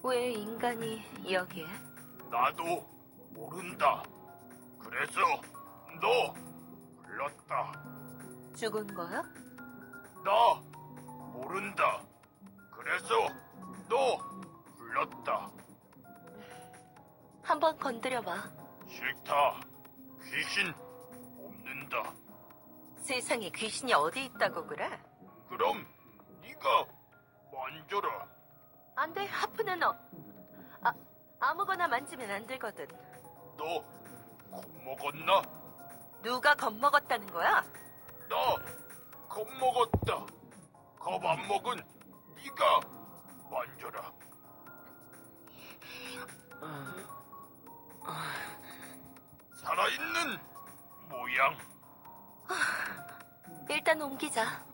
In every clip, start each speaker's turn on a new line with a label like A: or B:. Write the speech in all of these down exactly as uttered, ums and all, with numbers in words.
A: 왜 인간이 여기에?
B: 나도 모른다. 그래서 너 불렀다.
A: 죽은 거야?
B: 나 모른다. 그래서 너 불렀다.
A: 한번 건드려봐.
B: 싫다. 귀신 없는다.
A: 세상에 귀신이 어디 있다고 그래?
B: 그럼 네가 만져라.
A: 안 돼, 하프는 어... 아, 아무거나 만지면 안 되거든.
B: 너 겁먹었나?
A: 누가 겁먹었다는 거야?
B: 나 겁먹었다. 겁 안 먹은 네가 만져라. 살아있는 모양.
A: 일단 옮기자.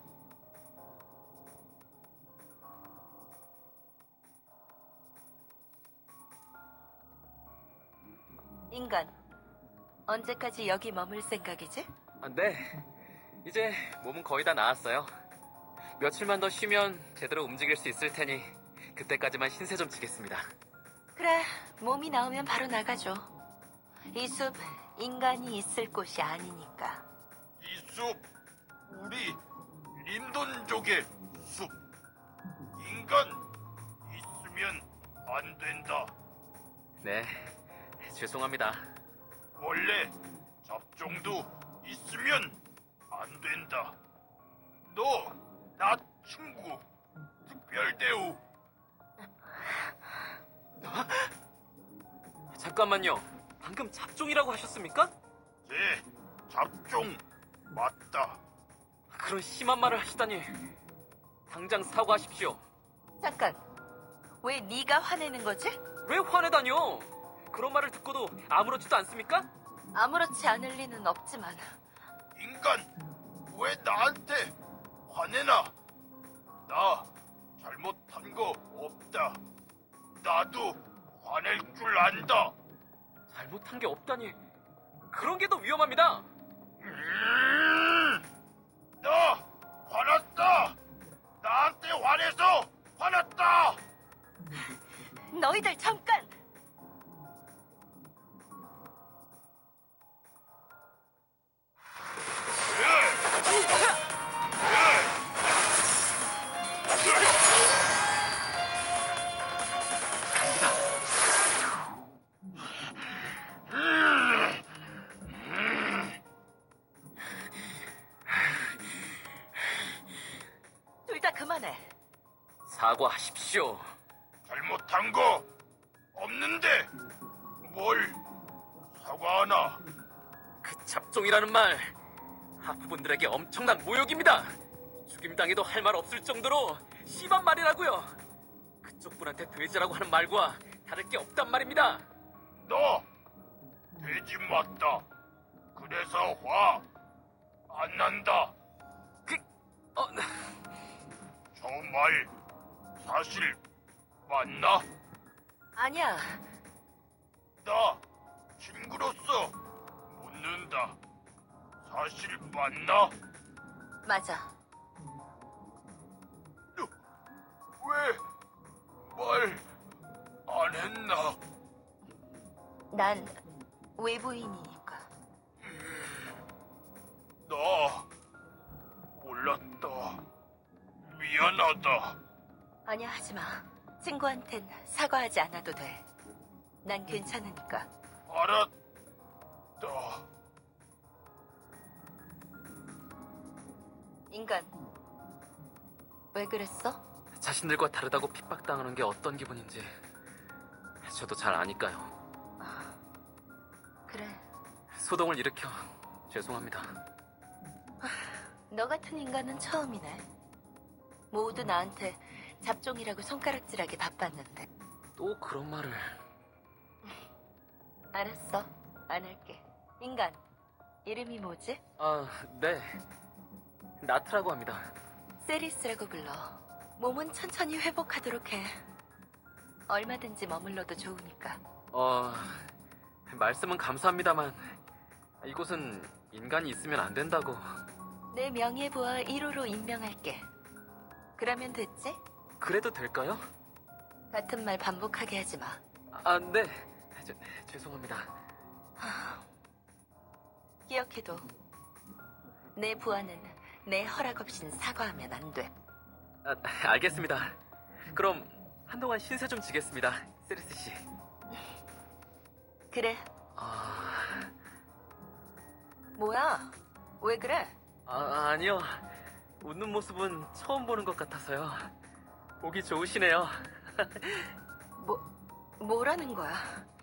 A: 인간, 언제까지 여기 머물 생각이지?
C: 아, 네. 이제 몸은 거의 다 나았어요. 며칠만 더 쉬면 제대로 움직일 수 있을 테니 그때까지만 신세 좀 지겠습니다.
A: 그래, 몸이 나오면 바로 나가죠. 이 숲, 인간이 있을 곳이 아니니까.
B: 이 숲, 우리 림돈족의 숲. 인간 있으면 안 된다.
C: 네, 죄송합니다.
B: 원래 잡종도 있으면 안 된다. 너, 나 친구, 특별대우.
C: 잠깐만요. 방금 잡종이라고 하셨습니까?
B: 제 잡종 맞다.
C: 그런 심한 말을 하시다니. 당장 사과하십시오.
A: 잠깐, 왜 네가 화내는 거지?
C: 왜 화내다뇨? 그런 말을 듣고도 아무렇지도 않습니까?
A: 아무렇지 않을 리는 없지만.
B: 인간, 왜 나한테 화내나? 나 잘못한 거 없다. 나도 화낼 줄 안다.
C: 잘못한 게 없다니. 그런 게 더 위험합니다.
B: 음, 나 화났다. 나한테 화내서 화났다.
A: 너희들 잠깐! 둘 다 그만해.
C: 사과하십시오.
B: 잘못한 거 없는데 뭘 사과하나?
C: 그 잡종이라는 말, 하프분들에게 엄청난 모욕입니다. 죽임당해도 할 말 없을 정도로 심한 말이라고요. 그쪽 분한테 돼지라고 하는 말과 다를 게 없단 말입니다.
B: 너 돼지 맞다. 그래서 화 안 난다.
C: 그, 어,
B: 저 말 사실 맞나?
A: 아니야.
B: 나 친구로서 묻는다. 사실 맞나?
A: 맞아.
B: 왜 말 안 했나?
A: 난 외부인이니까.
B: 나 몰랐다. 미안하다.
A: 아니야, 하지 마. 친구한텐 사과하지 않아도 돼. 난 괜찮으니까.
B: 알았다.
A: 인간, 왜 그랬어?
C: 자신들과 다르다고 핍박당하는 게 어떤 기분인지 저도 잘 아니까요.
A: 그래,
C: 소동을 일으켜 죄송합니다.
A: 너 같은 인간은 처음이네. 모두 나한테 잡종이라고 손가락질하게 바빴는데.
C: 또 그런 말을...
A: 알았어, 안 할게. 인간, 이름이 뭐지?
C: 아, 네. 나트라고 합니다.
A: 세리스라고 불러. 몸은 천천히 회복하도록 해. 얼마든지 머물러도 좋으니까.
C: 어... 말씀은 감사합니다만 이곳은 인간이 있으면 안 된다고...
A: 내 명예부하 일 호로 임명할게. 그러면 됐지?
C: 그래도 될까요?
A: 같은 말 반복하게 하지 마.
C: 아, 네. 저, 죄송합니다.
A: 기억해도 내 부하는 내 허락 없인 사과하면 안 돼.
C: 아, 알겠습니다. 그럼 한동안 신세 좀 지겠습니다, 세리스 씨.
A: 그래.
C: 아,
A: 뭐야? 왜 그래?
C: 아, 아니요. 웃는 모습은 처음 보는 것 같아서요. 보기 좋으시네요.
A: 뭐, 뭐라는 거야?